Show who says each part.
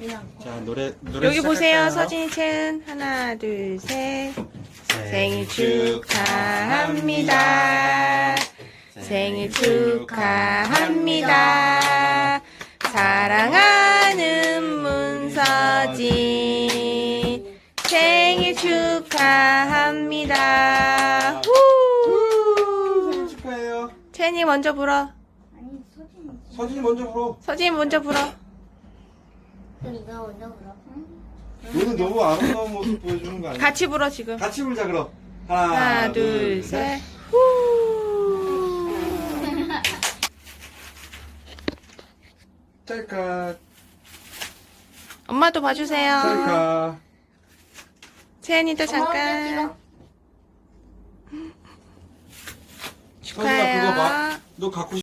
Speaker 1: 자, 노래
Speaker 2: 여기 보세요,
Speaker 1: 시작할까요?
Speaker 2: 서진이 첸. 하나, 둘, 셋. 생일 축하합니다. 생일 축하합니다. 사랑하는 문서진. 생일 축하합니다. 후!
Speaker 1: 생일 축하해요.
Speaker 2: 첸이 먼저 불어.
Speaker 3: 아니 서진이.
Speaker 1: 서진이 먼저 불어.
Speaker 2: 서진이 먼저 불어.
Speaker 3: 그럼 이거 먼저 불어. 응?
Speaker 1: 너는 너무 아름다운 모습 보여주는 거 아니야?
Speaker 2: 같이 불어, 지금.
Speaker 1: 같이 불자 그럼.
Speaker 2: 하나, 둘, 셋. 후!
Speaker 1: 짤까
Speaker 2: 엄마도 봐주세요.
Speaker 1: 짤까.
Speaker 2: 채연이도
Speaker 3: 엄마 혼자
Speaker 2: 잠깐.
Speaker 3: 찍어.
Speaker 1: 서진아 그거 봐.
Speaker 2: 축하해요.
Speaker 1: 너 갖고